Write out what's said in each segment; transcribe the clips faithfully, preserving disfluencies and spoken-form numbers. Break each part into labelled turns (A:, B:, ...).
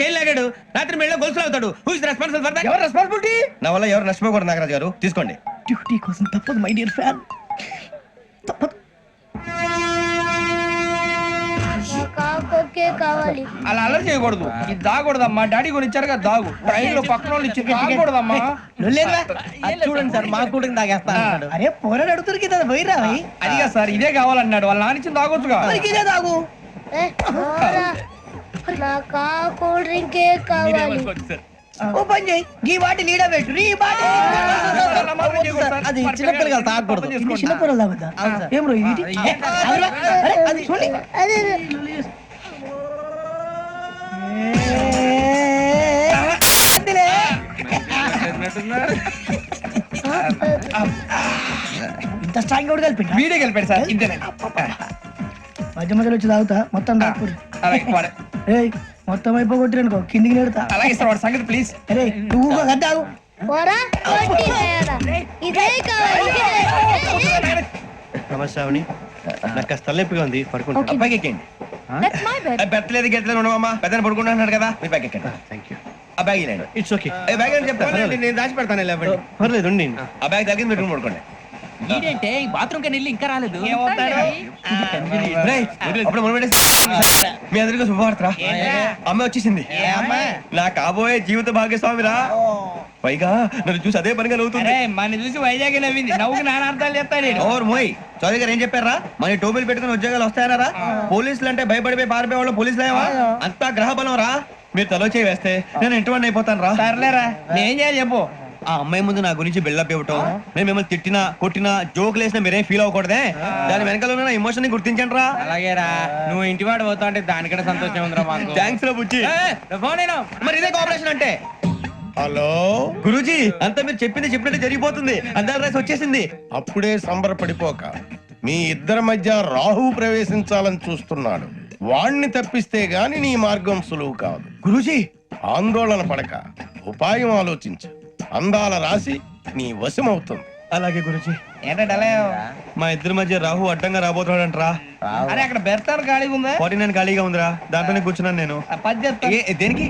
A: Chain లాగాడు, రాత్రి మెళ్ళ గొలుసులు అవుతాడు. Who is responsible for that?
B: ఎవరు రెస్పాన్సిబిలిటీ?
C: నా వల్ల ఎవరు నష్టపోకూడదు నాగరాజు గారు, తీసుకోండి.
B: డ్యూటీ కోసం తప్పదు మై డియర్ ఫ్యాన్, తప్పదు.
D: కావాలి
B: అలా అల్లరి చేయకూడదు. ఇది దాగకూడదమ్మా. డాడీ కొని ఇచ్చారు కదా దాగు. ట్రైన్ లో పక్కన వాళ్ళు ఇచ్చి దాగకూడదమ్మా.
A: చూడండి సార్, మా కూడా తాగేస్తా.
B: అరే పోరాడు అడుగుతారు కదా పోయిరా. అదిగా సార్ ఇదే కావాలన్నాడు. వాళ్ళ నాన్న ఇచ్చింది తాగొచ్చుగా. ఇదే తాగు.
D: నాకు కూల్ డ్రింకే కావాలి.
B: ఓ పని చేయి, ఈ వాటి లీడ పెట్టు. ఈ వాటి
A: అది చిన్నపిల్లలు తాగకూడదు.
B: చిన్నపిల్లలు తాగుతా. ఏం రో ఇది? అది చూడండి.
D: అదే
B: ఇంత స్ట్రాంగ్ కూడా కలిపి వీడియో కలిపాడు సార్. ఇంతేనే మధ్య మధ్యలో వచ్చి తాగుతా మొత్తం తాగుతుంది. ఏయ్ మొత్తం అయిపోగొట్టి అనుకో కిందికి నేడుతా. అలాగే సార్ వాడి సంగతి ప్లీజ్. అరే నువ్వు గద్దాగు.
D: ఇదే కావాలి.
C: నమస్తే శ్రావణి, నాకు కాస్త తలెప్పిగా ఉంది, పడుకుంటా. అబ్బాయికి ఎక్కండి. పెట్టలేదు గెట్టలేదు ఉండవమ్మా, పెద్దని పడుకుంటున్నాడు కదా, మీ బ్యాగ్ ఎక్కండి. Thank you. ఆ బ్యాగ్ ఇలాండి. It's okay. బ్యాగ్ అని చెప్పాలి, నేను దాచి పెడతాను. పర్లేదు ఉండి. ఆ బ్యాగ్ తగ్గింది పెట్టుకుని పడుకోండి.
A: ఏంటంటే బాత్రూమ్ కని వెళ్ళి ఇంకా రాలేదు.
C: అప్పుడు మీ అందరికీ శుభవార్తరా, అమ్మ వచ్చేసింది. నా కాబోయే జీవిత భాగ్యస్వామిరా. పైగా నన్ను చూసి అదే పనిగా నవ్వుతుంది.
B: మన చూసి వైజాగ్ నవ్వింది. నవ్వుకి నాన్న అర్థాలు చెప్తాడు.
C: ఓర్ మోయ్, చౌదరి గారు ఏం చెప్పారా? మన టోబీలు పెట్టుకుని ఉద్యోగాలు వస్తాయనరా? పోలీసులు అంటే భయపడిపోయి పారిపోయే వాళ్ళు పోలీసులు ఏవా? అంతా గ్రహ బలం రా. మీరు తలో చేయి వేస్తే నేను ఇంటివాడిని అయిపోతాను రా.
B: సర్లేరా, నేనేం చేయాలి చెప్పు.
C: ఆ అమ్మాయి ముందు నా గురించి బిల్డప్ ఇవ్వటం, నేను మిమ్మల్ని తిట్టినా కొట్టినా జోకులు వేసినా మీరేం ఫీల్ అవ్వకూడదే. దాని వెనకాల ఉన్న ఎమోషన్ ని గుర్తించండి రా.
B: అలాగేరా, నువ్వు ఇంటి వాడు పోతా అంటే దానికంటే సంతోషం ఉందిరా మాకు.
C: థ్యాంక్స్ రా బుజ్జి. మరి ఇదే కోఆపరేషన్ అంటే.
E: హలో
C: గురూజీ, అంతా మీరు చెప్పింది చెప్పినట్టు జరిగిపోతుంది. అందాల రాసి వచ్చేసింది.
E: అప్పుడే సంబరపడిపోక, మీ ఇద్దరి మధ్య రాహు ప్రవేశించాలని చూస్తున్నాడు. వాణ్ణి తప్పిస్తే గాని నీ మార్గం సులువు కాదు.
C: గురూజీ,
E: ఆందోళన పడక ఉపాయం ఆలోచించు. అందాల రాశి నీ వశమవుతుంది.
C: అలాగే గురూజీ.
B: ఏంటంటే
C: మా ఇద్దరి మధ్య రాహు అడ్డంగా రాబోతున్నాడంట్రా.
B: అరే అక్కడ బెర్తాను ఖాళీగా ఉందా?
C: ఫార్టీ నైన్ ఖాళీగా ఉందిరా, దాంట్లోనే కూర్చున్నాను నేను.
B: పది చెప్తా.
C: ఏ, దేనికి?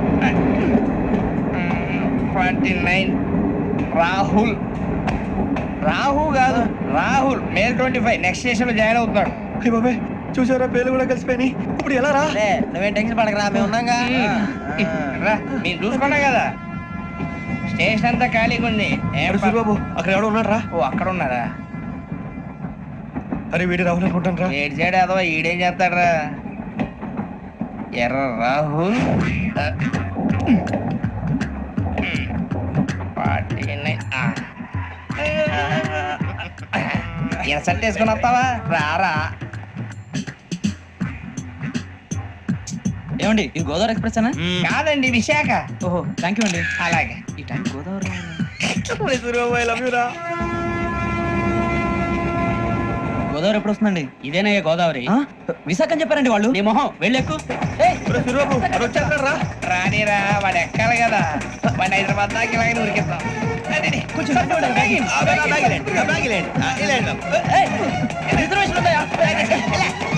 B: Forty nine Rahul. రాహు కాదు, Rahul. May twenty five next station లో జాయిన్ అవుతున్నాడు.
C: హే బాబే, చూసారా పేర్లు కూడా కలిసిపోయినాయి. ఇప్పుడు ఎలా రా?
A: నువ్వేం టెన్షన్ పడకరా, మేము ఉన్నాగా.
B: రా, మీరు చూసుకున్నా కదా స్టేషన్ అంతా ఖాళీగా ఉంది.
C: బాబు అక్కడ ఎవడో ఉన్నాడు రా.
B: ఓ అక్కడ ఉన్నారా?
C: అరే వీడి రాహుల్ అనుకుంటాను రా.
B: ఏడు సైడ్ అదో ఈడేం చేస్తాడరా? ఎర్ర రాహుల్. ఎసట్ వేసుకుని వస్తావా? రారా.
A: ఏమండి, ఇది గోదావరి ఎక్స్ప్రెస్ అనా?
B: కాదండి, విశాఖ.
A: ఓహో, థ్యాంక్ యూ అండి.
B: అలాగే.
A: ఈ టైం గోదావరి గోదావరి ఎప్పుడు వస్తుందండి?
B: ఇదేనయ్య గోదావరి.
A: విశాఖ అని చెప్పారండి వాళ్ళు. నీ మొహం వెళ్ళెక్కు.
B: రానిరా, వాడు ఎక్కాలి కదా. వాడిని హైదరాబాద్ దాకా ఇలాగే ఉరికిద్దాం.
A: రిజర్వేషన్ ఉందా?